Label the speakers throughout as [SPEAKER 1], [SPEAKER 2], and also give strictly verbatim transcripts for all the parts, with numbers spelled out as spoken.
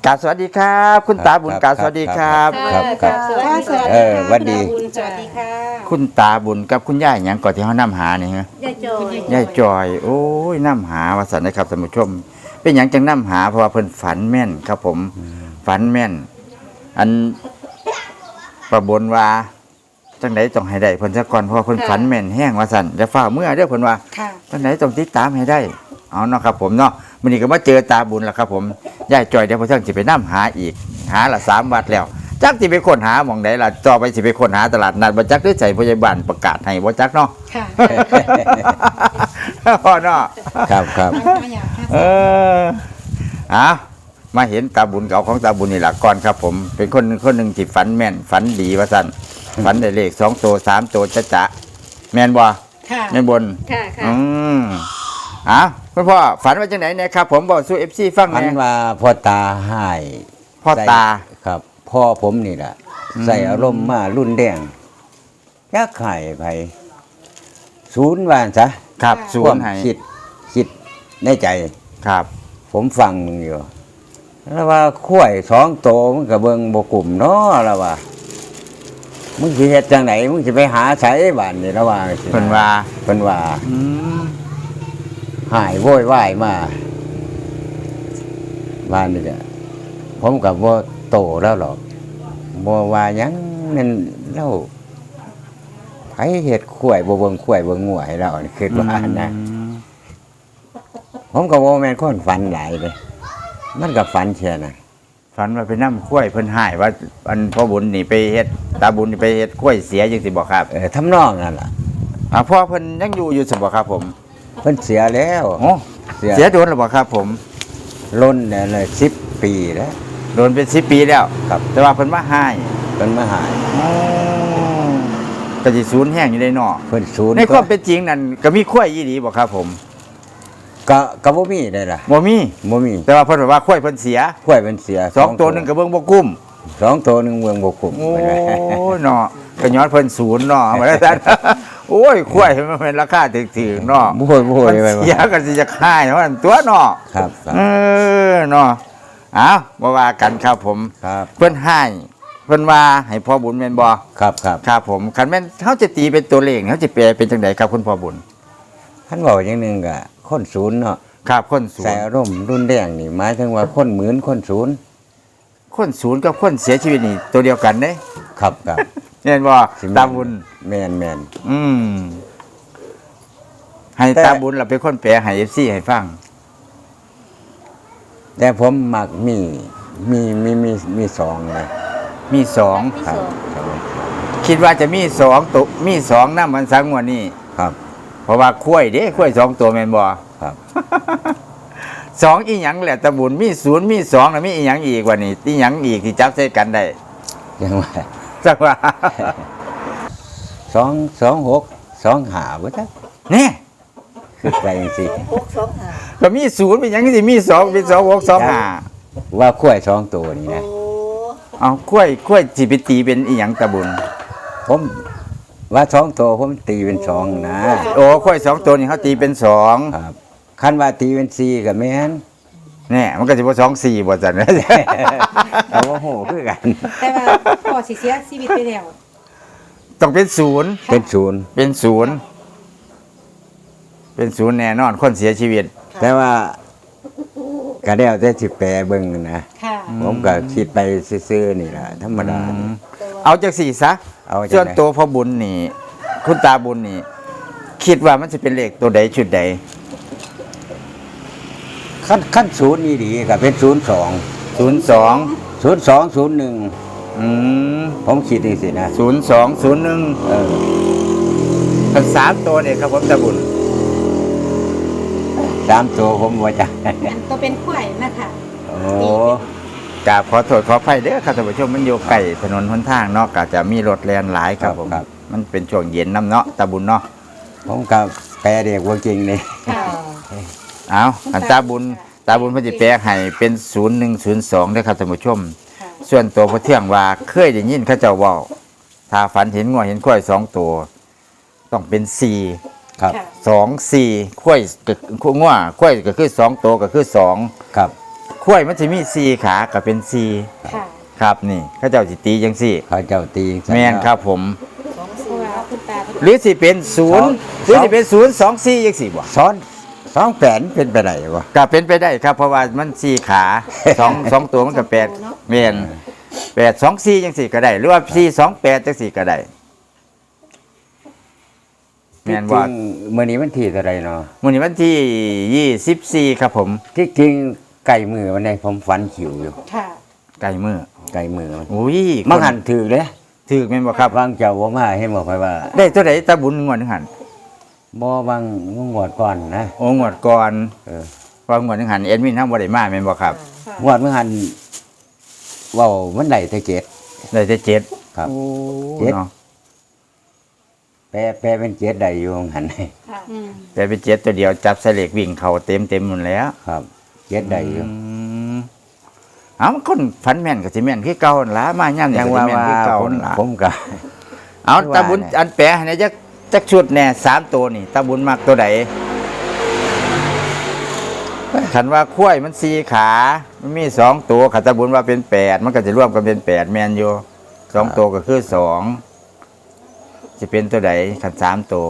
[SPEAKER 1] กราบสวัสดีครับคุณตาบุญกราบสวัสดีครับ
[SPEAKER 2] ครับครับสวัสดี
[SPEAKER 3] เออสวัสดี
[SPEAKER 2] สวัสดีค่ะ
[SPEAKER 1] คุณตาบุญกับคุณย่าหยังก่อนที่เขานำหานี่ฮะ
[SPEAKER 2] ยายจอย
[SPEAKER 1] ย่าจอยโอ้ยนำหาวาสันนะครับท่านผู้ชม เป็นหยังจังนำหาเพราะว่าเพิ่นฝันแม่นครับผมฝันแม่น อันประบนว่าจังไดต้องให้ได้เพิ่นซะก่อนเพราะว่าเพิ่นฝันแม่นแห้งว่าซั่นจะฟ้าเมื่อเด้อเพิ่นว่า
[SPEAKER 2] ค่ะ
[SPEAKER 1] จังไดต้องติดตามให้ได้เอาเนาะครับผมเนาะมื้อนี้ก็มาเจอตาบุญแล้วครับผมย่าจอยเดี๋ยวเพิ่นสิไปนำหาอีก หาละสามวัดแล้วจักสิไปค้นหาหม่องใดล่ะต่อไปสิไปค้นหาตลาดนัดบ่จักหรือใส่พยาบาลประกาศให้บ่จักเนาะ
[SPEAKER 2] ค่ะ
[SPEAKER 1] พ่อเนาะ
[SPEAKER 3] ครับครับ
[SPEAKER 1] เออเอามาเห็นตาบุญเก่าของตาบุญนี่แหละก่อนครับผมเป็นคนคนหนึ่งที่ฝันแม่นฝันดีว่าสั่นฝันได้เลขสองตัวสามตัวจะจะแม่นบ่
[SPEAKER 2] ค่ะ
[SPEAKER 1] แม่นบน
[SPEAKER 2] ค่ะค่ะ
[SPEAKER 1] อืมเอาคุณพ่อฝันว่าจังไหนเนี่ยครับผมบอกสู้เอฟซีฟัง
[SPEAKER 3] มัน
[SPEAKER 1] แหน่
[SPEAKER 3] ว่าพ่อตาให้
[SPEAKER 1] พ่อตา
[SPEAKER 3] ใส่ครับพ่อผมนี่แหละ
[SPEAKER 1] อืม
[SPEAKER 3] ใส่อารมณ์มารุ่นแดงยักไข่ไปศูนย์วานซะ
[SPEAKER 1] ครับศู
[SPEAKER 3] ควาน ม
[SPEAKER 1] ย์ให้
[SPEAKER 3] คิดคิดในใจ
[SPEAKER 1] ครับ
[SPEAKER 3] ผมฟังมึงอยู่แล้วว่าข้วยสองโตมันกับเบิงบกลุ่มเนาะแล้วว่ามึงสิเฮ็ดจังไหนมึงสิไปหาไสบ้านนี่แล้วว่าสิ
[SPEAKER 1] เพิ่นว่า
[SPEAKER 3] เพิ่นว่า
[SPEAKER 1] อืม
[SPEAKER 3] หายโวยวายมาบ้านนี่แหละผมกับว่าโตแล้วหรอกบ่ว่าหยังนั่นเล่าไผเฮ็ดข้วยบ่เบิ่งข้วยเบิ่งงัวให้เรานี่คิดว่านะ
[SPEAKER 1] อืม
[SPEAKER 3] ผมก็บ่แม่นคนฝันหลายเลยมันก็ฝันแค่นั้น
[SPEAKER 1] ฝันว่าไปนำกล้วยเพิ่นหายว่าอันพ่อบุญนี่ไปเฮ็ดตาบุญนี่ไปเฮ็ดกล้วยเสียจังสิบ่ครับ
[SPEAKER 3] เออทำนองนั่นล่ะ
[SPEAKER 1] อ่าพ่อเพิ่นยังอยู่อยู่สิบ่ครับผม
[SPEAKER 3] เพิ่นเสียแล้ว
[SPEAKER 1] โอ้เสียโดนหรือเปล่าครับผม
[SPEAKER 3] ล้นเนี่ยเลยสิบปีแล้ว
[SPEAKER 1] โดนเป็นสิบปีแล้ว
[SPEAKER 3] ครับ
[SPEAKER 1] แต่ว่าเพิ่นมาให้
[SPEAKER 3] เพิ่นมาหาย
[SPEAKER 1] ก็สิศูนย์แห้งอยู่ในนอก
[SPEAKER 3] เพิ่นศูนย์
[SPEAKER 1] ในความเป็นจริงนั่นก็มีข้วยยี่ดีบ่ครับผม
[SPEAKER 3] ก็ก็บ่มีได้ล่ะ
[SPEAKER 1] บ่มี
[SPEAKER 3] บ่มี
[SPEAKER 1] แต่ว่าเพิ่นบอกว่าข้วยเพิ่นเสีย
[SPEAKER 3] ข้วยเพิ่นเสีย
[SPEAKER 1] สองตัวหนึงก็เบิ่งบ่กุ้ม
[SPEAKER 3] สองตัวหนึงเมืองบ่คุ้ม
[SPEAKER 1] โอ้
[SPEAKER 3] เพิ่นว่า
[SPEAKER 1] ยเนาะก็ย้อนเพิ่นศูนย์เนาะว่าซั่น โอ้ยข้วยมันเป็นราคาถึกๆเนาะ
[SPEAKER 3] บ่โหยบ่โหย
[SPEAKER 1] มัน
[SPEAKER 3] ไป
[SPEAKER 1] เสียก็สิจะค่ายว่าตัวเนาะ
[SPEAKER 3] ครับครับ
[SPEAKER 1] เออเนาะเอ้าบ่ว่ากันครับผม
[SPEAKER 3] ครับ
[SPEAKER 1] เพิ่นให้เพิ่นว่าให้พ่อบุญแม่นบ่
[SPEAKER 3] ครับครับ
[SPEAKER 1] ครับผมคันแม่นเขาจะตีเป็นตัวเลขเขาจะแปลเป็นจังไดครับคุณพ่อบุญ
[SPEAKER 3] ท่านบอกอย่างหนึงก็คนศูนย์เนาะ
[SPEAKER 1] ครับคนศู
[SPEAKER 3] ใส่
[SPEAKER 1] นย์
[SPEAKER 3] อารมณ์รุนแรงนี่หมายถึงว่าคนหมื่นคนศูนย์
[SPEAKER 1] คนศูนย์กับคนเสียชีวิตนี่ตัวเดียวกันเด้
[SPEAKER 3] ครับครับ
[SPEAKER 1] เห็นบ่
[SPEAKER 3] สิ
[SPEAKER 1] ตาบุญ
[SPEAKER 3] แม่นแม่น
[SPEAKER 1] อืมให้
[SPEAKER 3] แต่
[SPEAKER 1] ตาบุญเราเป็นคนแปลให้ เอฟ ซี ให้ฟัง
[SPEAKER 3] แต่ผมมักมีมีมีมีมีสองนะ
[SPEAKER 1] มีสอง
[SPEAKER 3] ครับสอง
[SPEAKER 1] คิดว่าจะมีสองตัวมีสองนำมันสังวันนี้
[SPEAKER 3] ครับ
[SPEAKER 1] เพราะว่าคุ้ยเด้คุ้ยสองตัวแม่นบ่
[SPEAKER 3] ครับ
[SPEAKER 1] สองอีหยังแหละตาบุญมีศูนย์มีสองแล้วมีอีหยังอีกว่านี่อีหยังอีกที่จับใส่กันได้
[SPEAKER 3] ยังว่า
[SPEAKER 1] จักว่า
[SPEAKER 3] สองสองหกสองหาบ่ทัก
[SPEAKER 1] นี่
[SPEAKER 3] คือไปจังซี่
[SPEAKER 2] หกสองห้า
[SPEAKER 1] ก็มีศูนย์เป็นหยังสิมีสองเป็นสองหกสองห้า
[SPEAKER 3] ว่าข้วยสองตัวนี่นะ
[SPEAKER 2] โอ้
[SPEAKER 1] เอาคุ้ยคุ้ยสิไปตีเป็นอีหยังตาบุญ
[SPEAKER 3] ผมว่าสองตัวผมตีเป็นสองนะ
[SPEAKER 1] โอ้คุ้ยสองตัวนี่เขาตีเป็นสอง
[SPEAKER 3] ครับคันว่าตีเป็นสี่ก็แม่น
[SPEAKER 1] เนี่ยมันก็จะว่าสองสี่บ่จัน
[SPEAKER 3] แต่ว่าโหคือกัน
[SPEAKER 2] แต่ว่าพ่อสิเสียชีวิตไปแล้ว
[SPEAKER 1] ต้องเป็นศูนย์
[SPEAKER 3] เป็นศูนย์
[SPEAKER 1] เป็นศูนย์เป็นศูนย์แน่นอนคนเสียชีวิต
[SPEAKER 3] แต่ว่าก็แล้วแต่สิแปลเบิ่งนะ
[SPEAKER 2] ค่ะ
[SPEAKER 3] ผมก็คิดไปซื่อๆนี่ล่ะธรรมดานี่
[SPEAKER 1] เอาจากสี่ซะ
[SPEAKER 3] เอาจังใด
[SPEAKER 1] ส่วนตัวพ่อบุญนี่ คุณตาบุญนี่ คิดว่ามันจะเป็นเลขตัวใดชุดใด
[SPEAKER 3] ขั้นขั้นศูนย์นี่ดีก็เป็นศูนย์สอง
[SPEAKER 1] ศูนย์สอง
[SPEAKER 3] ศูนย์สองศูนย์หนึ่ง
[SPEAKER 1] อืม
[SPEAKER 3] ผมคิดนี่สินะ
[SPEAKER 1] ศูนย์สองศูนย์หนึ่ง
[SPEAKER 3] เออ
[SPEAKER 1] ทั้งสามตัวเนี่ยครับผมตาบุญ
[SPEAKER 3] สามตัวผมว่าจะ
[SPEAKER 2] อันตัวเป็นข่วยนะคะ
[SPEAKER 3] โอ้
[SPEAKER 1] กราบขอโทษขออภัยเด้อครับท่านผู้ชมมันอยู่ใกล้ถนนหนทางเนาะก็จะมีรถแล่นหลายครับผมมันเป็นช่วงเย็นน้ำเนาะตาบุญเนาะ
[SPEAKER 3] ผมกับแปลเด็กว่าจริงนี่
[SPEAKER 2] ค่ะ
[SPEAKER 1] เอาอันตาบุญตาบุญเพิ่นสิแปลให้เป็นศูนย์หนึ่งศูนย์สองเด้อครับท่านผู้ชม
[SPEAKER 2] ค่ะ
[SPEAKER 1] ส่วนตัวพระเที่ยงว่าเคยได้ยินเขาเจ้าเว้าถ้าฝันเห็นงัวเห็นควายสองตัวต้องเป็นสี่
[SPEAKER 3] ครับ
[SPEAKER 2] ค่ะ
[SPEAKER 1] สองสี่ควายก็งัวควายก็คือสองตัวก็คือสอง
[SPEAKER 3] ครับ
[SPEAKER 1] คข้วยมันจะมีสี่ขากับเป็นสี่
[SPEAKER 2] ค่ะ
[SPEAKER 1] ครับนี่เขาเจ้าสิตีจังสี่
[SPEAKER 3] เขาเจ้าตีจังซั่น
[SPEAKER 1] แม่นครับผม
[SPEAKER 2] สองเพราะว่าคุณตาเพิ่น
[SPEAKER 1] หรือสิเป็นศูนย์
[SPEAKER 3] สอง
[SPEAKER 1] หรือสิเป็นศูนย์สองสี่ยังสี่บ่
[SPEAKER 3] ซ้อนสองแปดเป็นไปได้บ่
[SPEAKER 1] ก็เป็นไปได้ครับเพราะว่ามันสี่ขาสองสองตัวมันก็แปดแม่นแปดสองสี่ยังสี่ก็ได้ หรือว่าสี่สองแปดจังสี่ก็ได้แม่นว่า
[SPEAKER 3] จริงๆมื้อนี้มันที่เท่าใดเนาะ
[SPEAKER 1] มื้อนี้วันที่ยี่สิบสี่ครับผม
[SPEAKER 3] ที่จริงไก่มือวันนี้ผมฝันขิวอยู่
[SPEAKER 2] ค่ะ
[SPEAKER 1] ไก่มือ
[SPEAKER 3] ไก่มือมัน
[SPEAKER 1] อุ้ย
[SPEAKER 3] มังหันถือเลย
[SPEAKER 1] ถือแม่นบ่ครับ
[SPEAKER 3] วางเจ้าบ่มาให้บอกไปว่า
[SPEAKER 1] ได้ตัวใดตาบุญงวดหนึงหัน
[SPEAKER 3] บ่วางงวดก่อนนะ
[SPEAKER 1] โอ้งวดก่อน
[SPEAKER 3] เออ
[SPEAKER 1] ว่างวดหนึงหันเอ็ดมินทำบ่ได้มาแม่นบ่ครับ
[SPEAKER 2] ค่ะ
[SPEAKER 3] งวดเมื่อหันเว้ามันได้แต่เจ็ด
[SPEAKER 1] ได้แต่เจ็ด
[SPEAKER 3] ครับ
[SPEAKER 1] โอ้
[SPEAKER 3] เจ็ด
[SPEAKER 1] เนาะ
[SPEAKER 3] แปลแปลเป็นเจ็ดได้อยู่หัน
[SPEAKER 2] ค่ะอืม
[SPEAKER 1] แต่เป็นเจ็ดตัวเดียวจับใส่เหล็กวิ่งเข้าเต็มเต็มๆหมดแล้ว
[SPEAKER 3] ครับเจ็ดได้อยู่
[SPEAKER 1] อืมเอ้ามันคนฝันแม่นก็สิแม่นคือเก่าหั่นล่ะมาย่ำนี่
[SPEAKER 3] ยัง
[SPEAKER 1] ก็สิ
[SPEAKER 3] ว่า
[SPEAKER 1] แม่น
[SPEAKER 3] ว่า
[SPEAKER 1] คือเก่า
[SPEAKER 3] ผม
[SPEAKER 1] หั่นล่ะ
[SPEAKER 3] ผมก็
[SPEAKER 1] เอา
[SPEAKER 3] คือว่า
[SPEAKER 1] ตาบุญ
[SPEAKER 3] เนี่ย
[SPEAKER 1] อันแปะให้จักจักชุดแน่สามตัวนี่ตาบุญมักตัวใดคันว่าข้วยมันสี่ขามันมีสองตัวขันตาบุญว่าเป็นแปดมันก็จะรวมกันเป็นแปดแมนอยู่สองตัวก็คือสองจะเป็นตัวใดขันสามตัว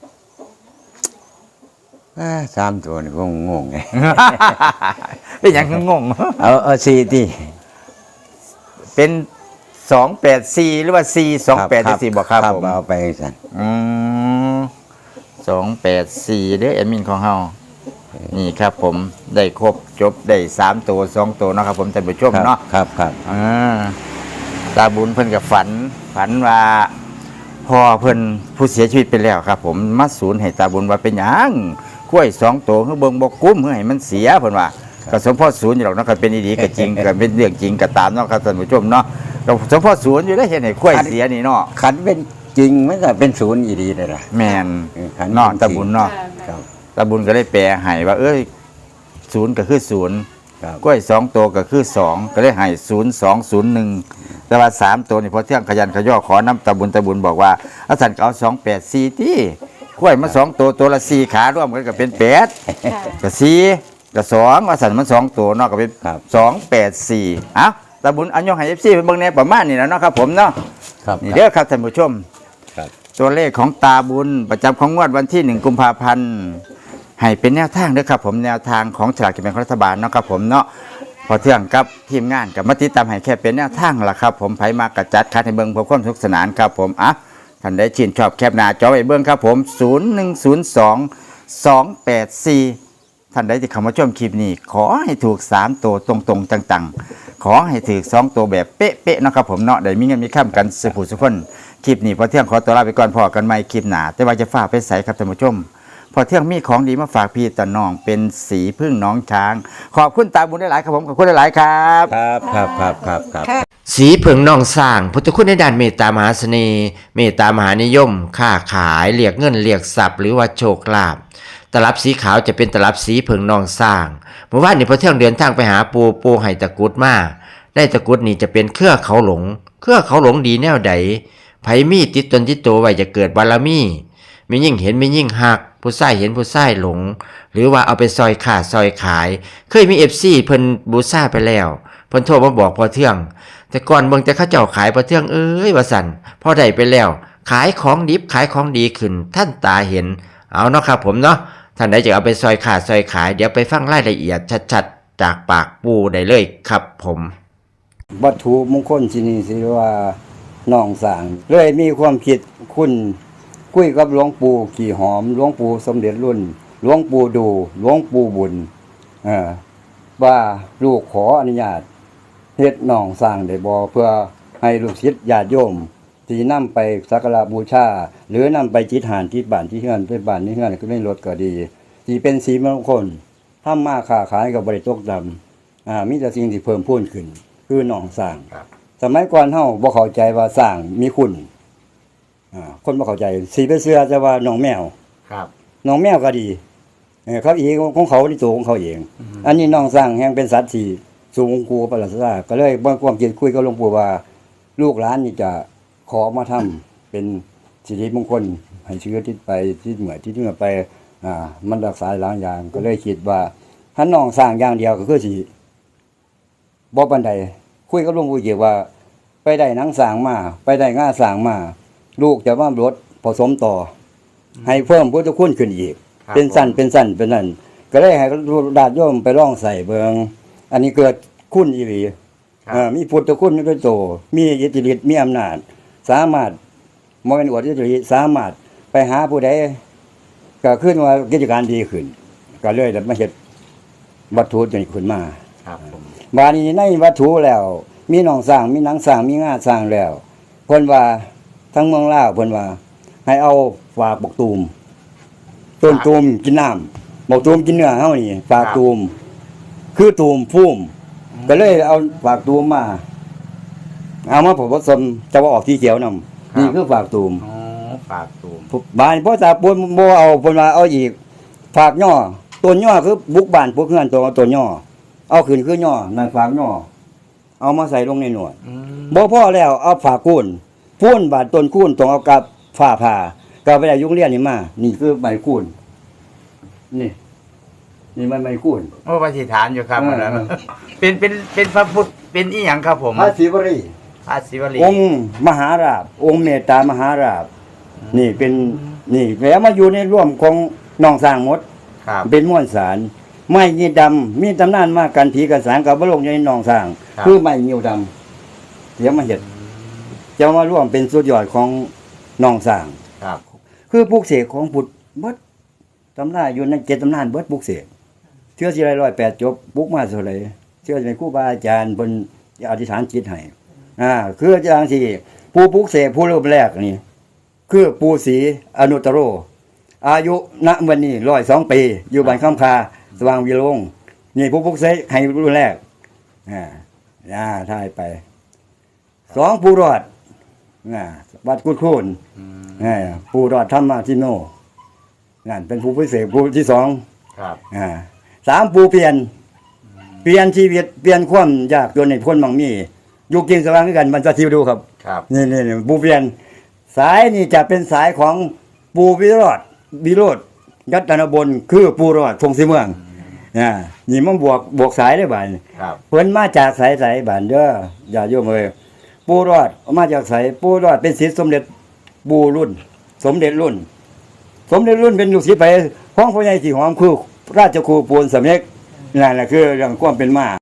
[SPEAKER 3] อ่าสามตัวนี่ผมงงไง
[SPEAKER 1] เป็นอย่างคืองง
[SPEAKER 3] เอาเอาสี่ที่
[SPEAKER 1] เป็นสองแปดสี่หรือว่าสี่สองแปดสี่บอกครับผม
[SPEAKER 3] เอาไปสั่น
[SPEAKER 1] อืมสองแปดสี่เด้อแอดมินของเฮานี่ครับผมได้ครบจบได้สามตัวสองตัวเนาะครับผมท่านผู้ชม
[SPEAKER 3] ครับ
[SPEAKER 1] เนาะ
[SPEAKER 3] ครับครับ
[SPEAKER 1] อ่าตาบุญเพิ่นกับฝัน ฝันว่าพ่อเพิ่นผู้เสียชีวิตไปแล้วครับ ผมมาสูญให้ตาบุญว่าเป็นหยังกล้วยสองตัวเฮือเบิ่งบ่กุ้มเฮือให้มันเสียเพิ่นว่าก็สมพ่อศูนย์อยู่หรอกเนาะก็เป็นดีๆก็จริง ก็เป็นเรื่องจริงก็ตามเนาะครับท่านผู้ชมเนาะก็สมพ่อศูนย์อยู่ได้เห็นให้กล้วยเสียนี่เนาะ
[SPEAKER 3] ขันเป็นจริงมันก็เป็นศูนย์อีดีเลยล่ะ
[SPEAKER 1] แม่น
[SPEAKER 3] เออขัน
[SPEAKER 1] เนาะ
[SPEAKER 3] จริง
[SPEAKER 1] ตาบุญเนาะ
[SPEAKER 3] ครับ
[SPEAKER 1] ตาบุญก็เลยแปลให้ว่า เอ้ยศูนย์ก็คือศูนย์
[SPEAKER 3] ครับ
[SPEAKER 1] กล้วยสองตัวก็คือสองก็เลยให้ศูนย์สองศูนย์หนึ่งแต่ว่าสามตัวนี่พอเที่ยงขยันขย่อขอน้ำตาบุญตาบุญบอกว่าอาสันก็เอาสองแปดสี่ที่กล้วยมาสองตัวตัวละสี่ขาร่วมกันก็เป็นแปด
[SPEAKER 2] ค่ะ
[SPEAKER 1] ก็สี่ก็สองอาสันมันสองตัวเนาะก็เป็น
[SPEAKER 3] ครับ
[SPEAKER 1] สองแปดสี่เอ้าตาบุญอันยองให้เอฟซีเป็นเบิ่งแนวประมาณนี้แล้วเนาะครับผมเนาะ
[SPEAKER 3] ครับ
[SPEAKER 1] นี่เด้อครับท่านผู้ชม
[SPEAKER 3] ครับ
[SPEAKER 1] ตัวเลขของตาบุญประจำของงวดวันที่หนึ่งกุมภาพันธ์ให้เป็นแนวทางเด้อครับผมแนวทางของฉลากกินแบ่งรัฐบาลเนาะครับผมเนาะพอเที่ยงกับทีมงานกับมาติดตามให้แค่เป็นแนวทางล่ะครับผมไผมากระจัดคัดให้เบิ่งเพื่อความสนุกสนานครับผมอ่ะท่านได้ชื่นชอบแคปหน้าจอไว้เบิ่งครับผมศูนย์หนึ่งศูนย์สองสองแปดสี่ท่านใดที่เข้ามาชมคลิปนี้ ขอให้ถูกสามตัวตรงๆจังๆขอให้ถูกสองตัวแบบเป๊ะๆเนาะครับผมเนาะได้มีเงินมีข้ามกันสุขสุขคน คลิปนี้พอเที่ยงขอตัวลาไปก่อนพอกันใหม่คลิปหนาแต่ว่าจะฝากไปใส่ครับท่านผู้ชม พอเที่ยงมีของดีมาฝากพี่ตาน้องเป็นสีพึ่งน้องช้าง ขอบคุณตาบุญได้หลายครับผมขอบคุณได้หลายครับ
[SPEAKER 3] ครับครับครับครับครับ
[SPEAKER 4] สีเผิงนองสร้างพุทธคุณในด้านเมตตามหาเสน่ห์เมตตามหานิยม ค้าขายเรียกเงินเรียกทรัพย์หรือว่าโชคลาภตลับสีขาวจะเป็นตลับสีเผิงนองสร้างเมื่อวานนี้พอเที่ยงเดินทางไปหาปูปูให้ตะกรุดมาได้ตะกรุดนี่จะเป็นเครือเขาหลง เครือเขาหลงดีแนวใดไผมีติดตนติดตัวไว้จะเกิดบารมีมียิ่งเห็นมียิ่งหักผู้ใส่เห็นผู้ใส่หลง หรือว่าเอาไปซอยขาดซอยขาย เคยมีเอฟซีเพิ่นบูซ่าไปแล้วเพิ่นโทรมาบอกพอเที่ยง แต่ก่อนเบิ่งแต่เขาเจ้าขายพอเที่ยงเอ้ยว่าสั่นพอได้ไปแล้ว ขายของดิบขายของดีขึ้น ท่านตาเห็นเอาเนาะครับผมเนาะท่านใดจะเอาไปซอยขาดซอยขายเดี๋ยวไปฟังรายละเอียดชัดๆจากปากปูได้เลยครับผม
[SPEAKER 3] วัตถุมงคลที่นี่สิว่าน้องสร้าง เลยมีความคิดคุณคุยกับหลวงปู่ขี่หอมหลวงปู่สมเด็จรุ่นหลวงปู่ดูหลวงปู่บุญเออว่าลูกขออนุญาตเฮ็ดน้องสร้างได้บ่เพื่อให้ลูกศิษย์ญาติโยมที่นำไปสักการะบูชา หรือนำไปจิตหานที่บ้านที่เฮือนไปบ้านที่เฮือนก็ได้รถก็ดีที่เป็นสีมงคลทำมาค้าขายก็บ่ได้ตกต่ำอ่ามีแต่สิ่งที่เพิ่มพูนขึ้น คือน้องสร้างสมัยก่อนเฮาบ่เข้าใจว่าสร้างมีคุณอ่าคนบ่เข้าใจสิไปเชื่อแต่ว่าน้องแมว
[SPEAKER 1] ครับ
[SPEAKER 3] น้องแมวก็ดีเออเขาอีกของเขาที่ตัวของเขาเอง อันนี้น้องสร้างแห่งเป็นสัตว์ที่สูงกูประหลาดซาก็เลยบ่ความคิดคุยกับหลวงปู่ว่า ลูกหลานนี่จะขอมาทำเป็นสิริมงคลให้เชื้อติดไปที่เหมือที่เหมือไปอ่ามันรักษาหลายอย่างก็เลยคิดว่าถ้าน้องสร้างอย่างเดียวก็คือสิบ่ปานใดคุยกับหลวงปู่เจียว่า ไปได้หนังสร้างมาไปได้ง่าสร้างมาลูกจะว่ารถผสมต่อ ให้เพิ่มพุทธคุณขึ้นอีก
[SPEAKER 1] ครับ
[SPEAKER 3] เป็นสั้นเป็นสั้นเป็นนั่นก็ได้ให้ญาติโยมไปลองใส่เบิงอันนี้เกิดคุณอีหลี
[SPEAKER 1] ครับ
[SPEAKER 3] เอ่อมีพุทธคุณด้วยโตมีอิทธิฤทธิ์มีอำนาจ สามารถบ่แม่นอวดอิทธิฤทธิ์สามารถไปหาผู้ใดก็ขึ้นว่ากิจการดีขึ้น ก็เลยได้มาเฮ็ดวัตถุนี้ขึ้นมา
[SPEAKER 1] ครับผม
[SPEAKER 3] บาดนี้ในวัตถุแล้ว มีหนองสร้างมีหนังสร้างมีงาสร้างแล้วเพิ่นว่าทั้งเมืองลาวเพิ่นว่า ให้เอาฝากบกตูมต้นตูมกินน้ำบกตูมกินเนื้อเฮานี่ฝากตูมคือตูมพุ่มก็เลยเอาฝากตูมมาเอามาผสมจะว่าออกสีเขียวนำนี่คือฝากตูม
[SPEAKER 1] อ๋อฝากตูม
[SPEAKER 3] บานบ่ตาปนบ่เอาเพิ่นว่าเอาอีกฝากย่อต้นย่อคือบุกบ้านพวกเฮือนตัวต้นย่อเอาขึ้นคือย่อนั่นฝากย่อเอามาใส่ลงในหนวด
[SPEAKER 1] อืม
[SPEAKER 3] บ่พอแล้วเอาฝากคูนพูนบาดต้นคูนต้องเอากับฝ้าผ่าก็ไปได้ยุงเรียนนี่มา นี่คือใบคูนนี่ นี่มันใบคูน
[SPEAKER 1] โอ้ปฏิฐานอยู่ครับ
[SPEAKER 3] เออ
[SPEAKER 1] อันนั้น
[SPEAKER 3] เออ
[SPEAKER 1] เป็นเป็นเป็นพระพุทธเป็นอีหยังครับผม
[SPEAKER 3] พระศิวรี
[SPEAKER 1] พระศิวลี
[SPEAKER 3] องค์มหาราชองค์เมตตามหาราชนี่เป็นนี่แล้วมาอยู่ในร่วมของน้องสร้างหมด
[SPEAKER 1] ครับ
[SPEAKER 3] เป็นม้วนสารไม้ยีดำมีตำนานมากันผีกันสารกับบรมในหนองสร้าง
[SPEAKER 1] ครับ
[SPEAKER 3] คือไม้ยีดำเดี๋ยวมาเห็ดจะมาร่วมเป็นสุดยอดของหนองสร้าง
[SPEAKER 1] ครับ
[SPEAKER 3] คือปลูกเสกของพุทธเบิดตำนานอยู่ในเจ็ดตำนานเบิดปลูกเสกเชื่อสิไรร้อยแปดจบปลูกมาเท่าไหร่เชื่อในครูบาอาจารย์บนอธิษฐานจิตให้อ่าคืออาจารย์ที่ผู้ปลูกเสกผู้เริ่มแรกนี่คือปูศรีอนุตตโร อายุณวันนี้ร้อยสองปี อยู่บ้านข้ามคาสว่างวิโรงนี่ผู้ปลุกเสกให้รุ่นแรกอ่าอ่าถ่ายไปสองผู้รอดอ่าวัดกุดคูน
[SPEAKER 1] อืม
[SPEAKER 3] อ่าผู้รอดธรรมาทิโนนั่นเป็นผู้พิเศษผู้ที่สอง
[SPEAKER 1] ครับ
[SPEAKER 3] อ่าสามผู้เปลี่ยน เปลี่ยนชีวิตเปลี่ยนความยากจนในพ้นมังมีอยู่กินสว่างด้วยกันมันจะทิวดูครับ
[SPEAKER 1] ครับ
[SPEAKER 3] นี่นี่นี่ปูเปลี่ยนสายนี่จะเป็นสายของปูวิโรธวิโรธยัตนบลคือปูรอดพงศรีเมืองอ่านี่มันบวกบวกสายได้บ่าย
[SPEAKER 1] ครับ
[SPEAKER 3] เพิ่นมาจากสายสายบ้านเด้ออย่าโยมเอ้ยปูรอดมาจากสายปูรอดเป็นศิษย์สมเด็จปูรุ่น สมเด็จรุ่น สมเด็จรุ่นเป็นลูกศิษย์ไปของพ่อใหญ่สีหอมคือราชครูปูนสำเร็จนั่นแหละคือเรื่องความเป็นมา